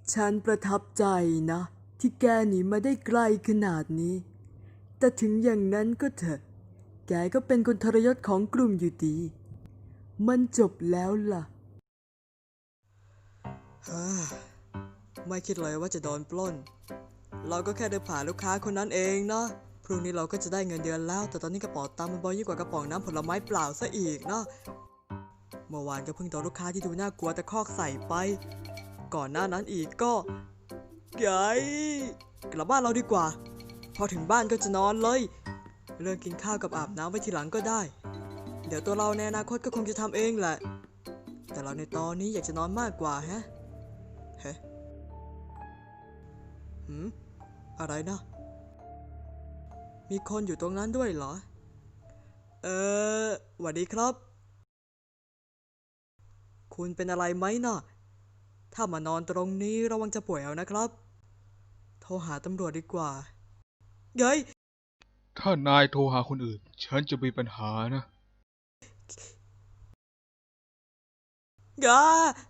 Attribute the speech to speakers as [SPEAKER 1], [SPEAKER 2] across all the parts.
[SPEAKER 1] ฉันประทับใจนะที่แกหนีมาได้ไกลขนาดนี้แต่ถึงอย่างนั้นก็เถอะแกก็เป็นคนทรยศของกลุ่มอยู่ดีมันจบแล้วล่ะไม่คิดเลยว่าจะโดนปล้นเราก็แค่เดินผ่านลูกค้าคนนั้นเองนะพรุ่งนี้เราก็จะได้เงินเดือนแล้วแต่ตอนนี้กระเป๋าตังค์มันบอยยิ่งกว่ากระป๋องน้ำผลไม้เปล่าซะอีกนะเมื่อวานก็เพิ่งโดนลูกค้าที่ดูน่ากลัวตะคอกใส่ไปก่อนหน้านั้นอีกก็ไงกลับบ้านเราดีกว่าพอถึงบ้านก็จะนอนเลยเรื่องกินข้าวกับอาบน้ำไว้ทีหลังก็ได้เดี๋ยวตัวเราในอนาคตก็คงจะทำเองแหละแต่เราในตอนนี้อยากจะนอนมากกว่าเฮ้อะไรนะมีคนอยู่ตรงนั้นด้วยเหรอสวัสดีครับคุณเป็นอะไรไหมนะถ้ามานอนตรงนี้ระวังจะป่วยเอานะครับโทรหาตำรวจดีกว่าเย้ย
[SPEAKER 2] ถ้านายโทรหาคนอื่นฉันจะมีปัญหานะ
[SPEAKER 1] ยา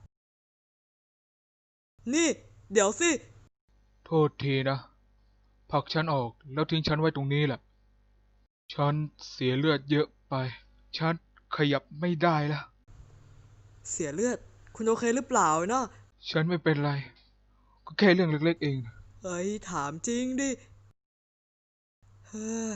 [SPEAKER 1] นี่เดี๋ยวสิ
[SPEAKER 2] โทษทีนะผลักฉันออกแล้วทิ้งฉันไว้ตรงนี้แหละฉันเสียเลือดเยอะไปฉันขยับไม่ได้แล้ว
[SPEAKER 1] เสียเลือดคุณโอเคหรือเปล่านะ
[SPEAKER 2] ฉันไม่เป็นไรก็แค่เรื่องเล็กๆเอง
[SPEAKER 1] เฮ้ยถามจริงดิเฮ้ย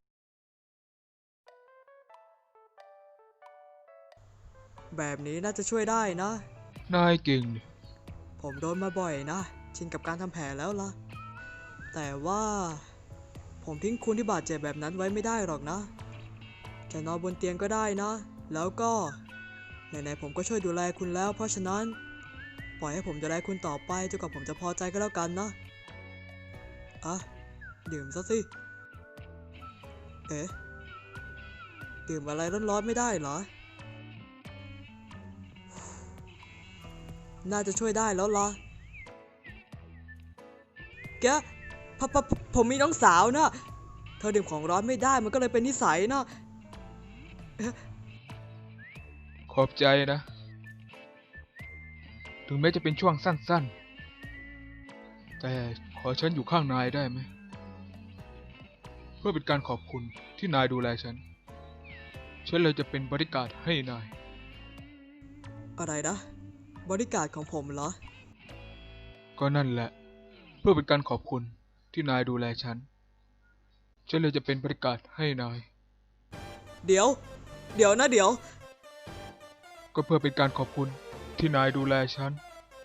[SPEAKER 1] แบบนี้น่าจะช่วยได้นะ
[SPEAKER 2] นายเก่งนี่
[SPEAKER 1] ผมโดนมาบ่อยนะชินกับการทำแผลแล้วล่ะแต่ว่าผมทิ้งคุณที่บาดเจ็บแบบนั้นไว้ไม่ได้หรอกนะจะนอนบนเตียงก็ได้นะแล้วก็ไหนๆผมก็ช่วยดูแลคุณแล้วเพราะฉะนั้นปล่อยให้ผมดูแลคุณต่อไปจนกว่าผมจะพอใจก็แล้วกันนะอ่ะดื่มซะสิเอ๊ะดื่มอะไรร้อนๆไม่ได้เหรอน่าจะช่วยได้แล้วล่ะแกผมมีน้องสาวนะเธอดื่มของร้อนไม่ได้มันก็เลยเป็นนิสัยนะ
[SPEAKER 2] ขอบใจนะถึงแม้จะเป็นช่วงสั้นๆแต่ขอฉันอยู่ข้างนายได้ไหมเพื่อเป็นการขอบคุณที่นายดูแลฉันเลยจะเป็นบริการดให้นาย
[SPEAKER 1] อะไรนะบริการของผมเหรอ
[SPEAKER 2] ก็นั่นแหละเพื่อเป็นการขอบคุณที่นายดูแลฉันเลยจะเป็นบริการดให้นาย
[SPEAKER 1] เดี๋ยวเดี๋ยว
[SPEAKER 2] ก็เพื่อเป็นการขอบคุณที่นายดูแลฉัน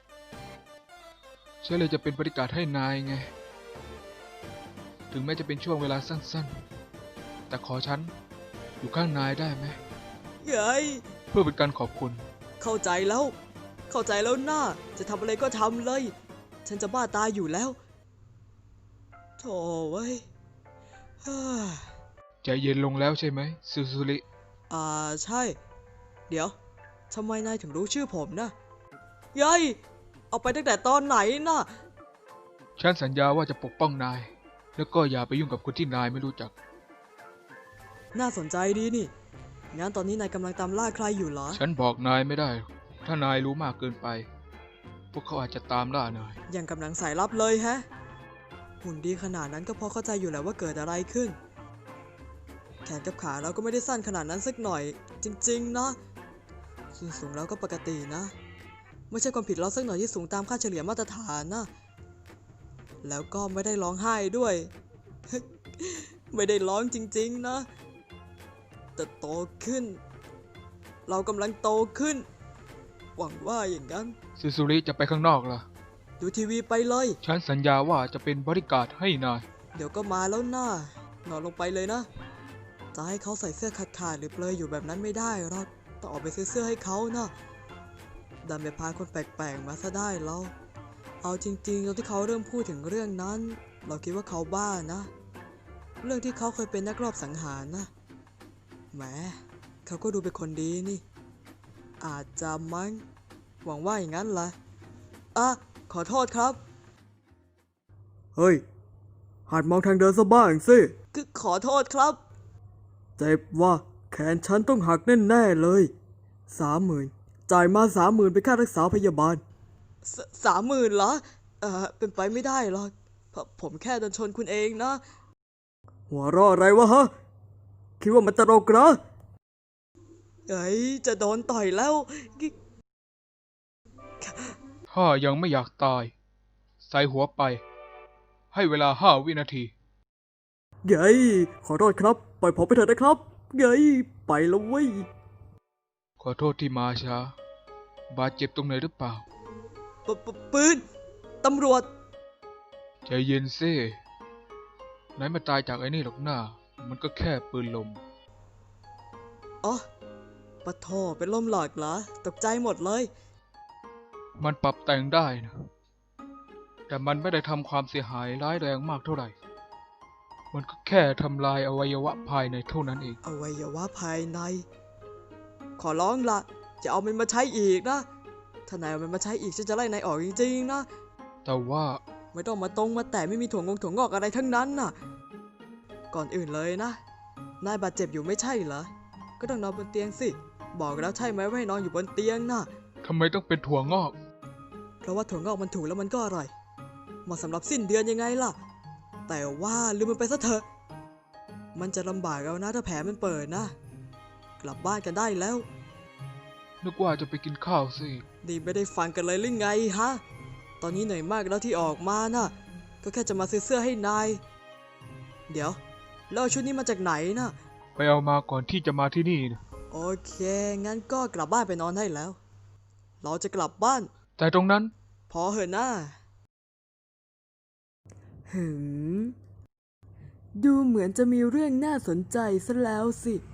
[SPEAKER 2] เลยจะเป็นบริการดให้นายไงถึงแม้จะเป็นช่วงเวลาสั้นๆแต่ขอฉันอยู่ข้างนายได้ไหม
[SPEAKER 1] เย้ย
[SPEAKER 2] เพื่อเป็นการขอบคุณ
[SPEAKER 1] เข้าใจแล้วนะจะทำอะไรก็ทำเลยฉันจะบ้าตายอยู่แล้วโธ่เว้ยฮ่า
[SPEAKER 2] ใจเย็นลงแล้วใช่ไหมซูซูริ
[SPEAKER 1] ใช่เดี๋ยวทำไมนายถึงรู้ชื่อผมนะเย้ยเอาไปตั้งแต่ตอนไหนนะ
[SPEAKER 2] ฉันสัญญาว่าจะปกป้องนายแล้วก็อย่าไปยุ่งกับคนที่นายไม่รู้จัก
[SPEAKER 1] น่าสนใจดีนี่งั้นตอนนี้นายกำลังตามล่าใครอยู่เหรอ
[SPEAKER 2] ฉันบอกนายไม่ได้ถ้านายรู้มากเกินไปพวกเขาอาจจะตามล่านาย
[SPEAKER 1] ยังกำลังสายลับเลยแฮะหุ่นดีขนาดนั้นก็พอเข้าใจอยู่แล้วว่าเกิดอะไรขึ้นแขนกับขาเราก็ไม่ได้สั้นขนาดนั้นสักหน่อยจริงๆนะส่วนสูงเราก็ปกตินะไม่ใช่ความผิดเราสักหน่อยที่สูงตามค่าเฉลี่ยมาตรฐานนะแล้วก็ไม่ได้ร้องไห้ด้วย ไม่ได้ร้องจริงๆนะแต่โตขึ้นเรากำลังโตขึ้นหวังว่าอย่างนั้น
[SPEAKER 2] ซูซูริจะไปข้างนอกล่ะ
[SPEAKER 1] ดูทีวีไปเลย
[SPEAKER 2] ฉันสัญญาว่าจะเป็นบริการดให้นาย
[SPEAKER 1] เดี๋ยวก็มาแล้วนะนอนลงไปเลยนะจะให้เขาใส่เสื้อขาดๆหรือเปลยอยู่แบบนั้นไม่ได้หรอกต้องออกไปซื้อเสื้อให้เขานะดันไปพาคนแปลกๆมาซะได้แล้วเอาจริงๆตอนที่เขาเริ่มพูดถึงเรื่องนั้นเราคิดว่าเขาบ้านะเรื่องที่เขาเคยเป็นนักรอบสังหารนะแหมเขาก็ดูเป็นคนดีนี่อาจจะมั้งหวังว่าอย่างนั้นแหละขอโทษครับเฮ้ยหัดมองทางเดินซะบ้างสิขอโทษครับเจ็บว่าแขนฉันต้องหักแน่ๆเลย30,000จ่ายมา30,000เป็นค่ารักษาพยาบาล30,000เหรอเป็นไปไม่ได้หรอกเพราะผมแค่โดนชนคุณเองนะ หัวเราะอะไรวะฮะ คิดว่ามันตลกเหรอจะโดนต่อยแล้ว
[SPEAKER 2] ถ้ายังไม่อยากตาย ใส่หัวไป ให้เวลา5 วินาที
[SPEAKER 1] ขอโทษครับ ปล่อยผมไปเถอะนะครับ ไปแล้วเว้ย
[SPEAKER 2] ขอโทษที่มาช้า บาดเจ็บตรงไหนหรือเปล่า
[SPEAKER 1] ปืน ตำรวจ
[SPEAKER 2] ใจเย็นซิไหนมาตายจากไอ้นี่หรอกหน้า มันก็แค่ปืนลม
[SPEAKER 1] อ๋อปะโถเป็นลมหลอดเหรอ ตกใจหมดเลย
[SPEAKER 2] มันปรับแต่งได้นะ แต่มันไม่ได้ทำความเสียหายร้ายแรงมากเท่าไหร่ มันก็แค่ทำลายอวัยวะภายในเท่านั้นเอง
[SPEAKER 1] อวัยวะภายใน ขอร้องละจะเอามันมาใช้อีกนะ ถ้านายเอามันมาใช้อีกฉันจะไล่นายออกจริงๆนะ
[SPEAKER 2] แต่ว่า
[SPEAKER 1] ไม่ต้องมาตรงมาแต่ไม่มีถั่วงอกอะไรทั้งนั้นน่ะ ก่อนอื่นเลยนะ นายบาดเจ็บอยู่ไม่ใช่เหรอ ก็ต้องนอนบนเตียงสิ บอกแล้วใช่ไหมว่าให้นอนอยู่บนเตียงน่ะ
[SPEAKER 2] ทำไมต้องเป็นถั่วงอก
[SPEAKER 1] เพราะว่าถั่วงอกมันถูกแล้วมันก็อร่อย เหมาะสำหรับสิ้นเดือนยังไงล่ะ แต่ว่าลืมมันไปซะเถอะ มันจะลำบากเอานะถ้าแผลมันเปิดนะ กลับบ้านกันได้แล้ว
[SPEAKER 2] นึกว่าจะไปกินข้าวสิ
[SPEAKER 1] นี่ไม่ได้ฟังกันเลยหรือไงฮะ ตอนนี้เหนื่อยมากแล้วที่ออกมาน่ะ ก็แค่จะมาซื้อเสื้อให้นาย เดี๋ยวแล้วเอาชุดนี้มาจากไหนน่ะ
[SPEAKER 2] ไปเอามาก่อนที่จะมาที่นี่นะ
[SPEAKER 1] โอเค งั้นก็กลับบ้านไปนอนได้แล้ว เราจะกลับบ้าน
[SPEAKER 2] แต่ตรงนั้น
[SPEAKER 1] พอเหอะนะดูเหมือนจะมีเรื่องน่าสนใจซะแล้วสิ